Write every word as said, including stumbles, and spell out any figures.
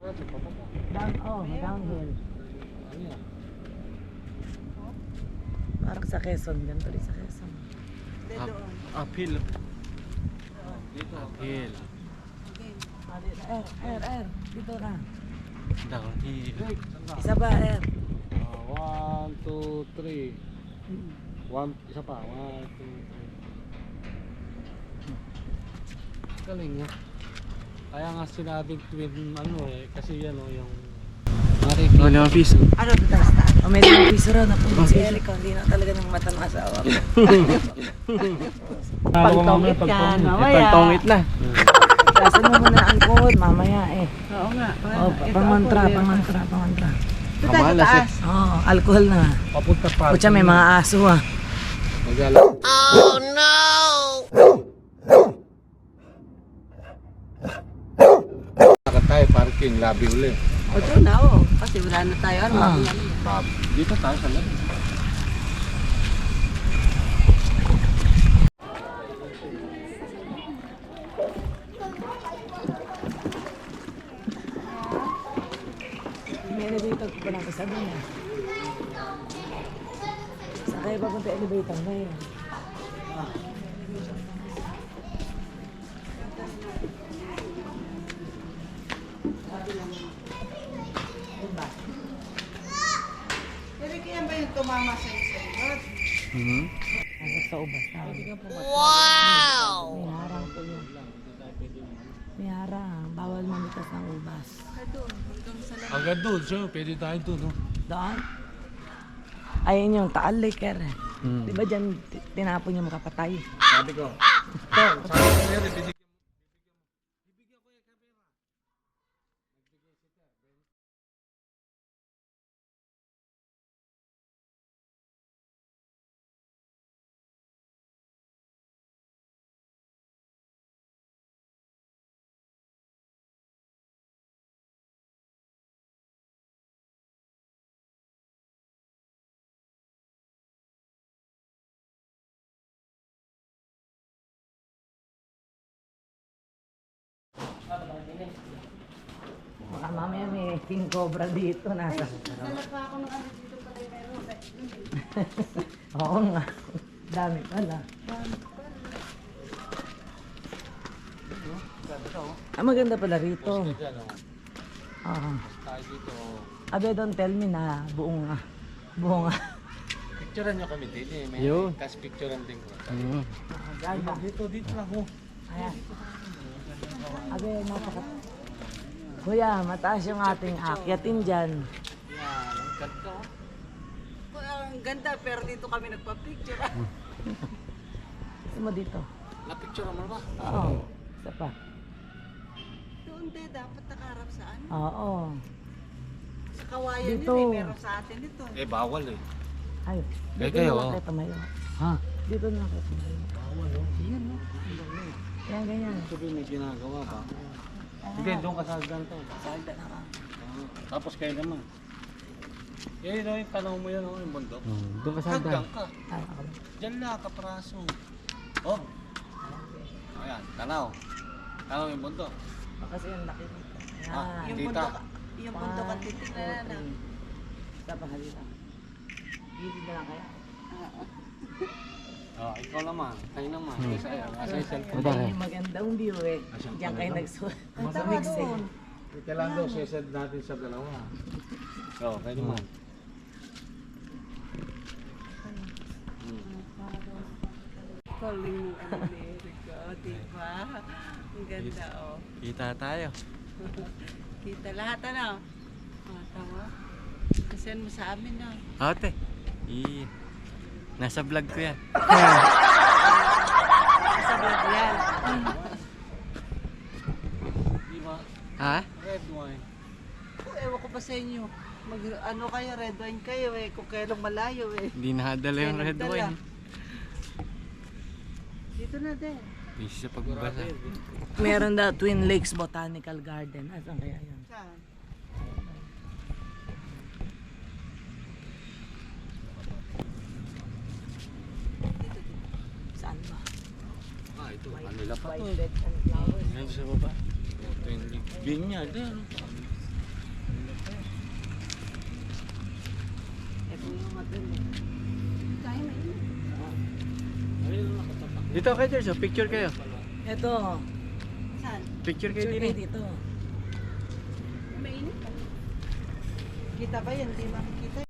Down, oh, downhill. Parang sa Quezon, ganito rin sa Quezon. Up, uphill. Dito, uphill. Er, er, er, dito na. Downhill. Isa ba, er? Uh, one, two, three. One, isa pa. One, two, three. Galing nga. Kaya nga sinabing twin ano eh. Kasi yan o yung... Oh, limang piso. Ano ito tayo staan? O may limang piso raw na po si Eric. Hindi na talaga ng mata ng asawa ko. Pagtongit yan, mamaya. Pagtongit na. Kasan mo muna ang alcohol, mamaya eh. Oo nga. Oh, pangantra, pangantra, pangantra. Ito tayo sa taas. Oh, alcohol na. Papunta pa. Pucha, may mga aso ah. Magala. Oh no! Nakat tayo parking, labi uli. O doon na o. Kasi wala na tayo. Ano? Ah. Dito tayo sa labi. May elevator ko pa lang kasabi niya. Saan kayo papunta elevator na yun? Pero kaya ba yung tumama sa isang rod? Mhm. Nasa sa ubas na. Wow! May harang po yun. May harang. Bawal mamitas ng ubas. Agad doon, so pwede tayo doon. No? Doon? Ayun yung Taal Lake eh. Hmm. Di ba dyan t- tinapon yung makapatay? Sabi ko. Ito, sabi ko meron, binigyan. Baka mamaya may king cobra dito. Nasa. Dala pa ako ng ano dito pala meron. Oo nga. Dami pala. Ah, maganda pala rito. Diyan, oh. Oo. Tayo dito. oh. Abe, don't tell me na buong nga. Buong nga. Picturean nyo kami din eh. May Yun. tas picturean din ko. Mhm. Ganda. Dito, dito lang oh. Ayan. Abe, napaka... Kuya, mataas yung ating akyatin dyan. Yan, ang ganda oh. Ang ganda pero dito kami nagpa-picture. Gusto mo dito? Na-picture mo ba? Oo. Isa pa. Doon din dapat nakaharap sa ano. Oo. Sa kawayan Dito. yun eh. Meron sa atin ito. Eh, bawal eh. Ay, Eh, dito kayo, na oh. lang kayo tumayo. Ha? Dito na lang kayo tumayo. Bawal oh. Yan, no? Yan, ganyan. Sabi may ginagawa ba? Hindi, doon ka sa ganito. Salda na ka. Ah, tapos kayo naman. Eh, no, yung tanong mo yan, oh, yung bundok. Hmm. Doon ka sa Hanggang ka. Ay, ako. Diyan lang, kapraso. Oh. Ayan, tanaw. Tanaw yung bundok. Kasi yung laki nito. Ah, Yan. Yung Tita. bundok, yung bundok ang titignan na. Isa pa halita. Gilid na lang kayo. Oh, ikaw naman. Kayo naman. Hmm. Kasi ayaw. Kasi cellphone. Ito, Ay, eh. magandang view eh. Asyang Diyan kayo maganda. nagsuot. Ang Sa tama mix eh. doon. Kailangan daw, sesend natin sa dalawa. Oo, kayo naman. Calling mo ang America, diba? Ang ganda oh. Kita tayo. Kita lahat ano. Oh, tama. Kasend mo sa amin na. Ate. I Nasa vlog ko yan. Sa vlog yan. Di ba? Ha? Red wine. Oh, ewan ko pa sa inyo. Mag, ano kayo, red wine kayo eh. Kung kailang malayo eh. Hindi nakadala yung Kaya red nagdala. wine. Dito na din. Busy sa pagbasa. Meron daw Twin Lakes Botanical Garden. Asan kaya yun? Saan? Saan ba? Ah, ito. Kanila pa to. Violet and flowers. Ngayon sa baba. Ito yung vineyard. Eh, ano? angat din eh. Kaya mainit. Dito kayo, Jerzo. Picture kayo. Ito. Saan? Picture kayo Picture din kayo eh. dito. Mainit pa. Kita ba yan? Hindi makikita.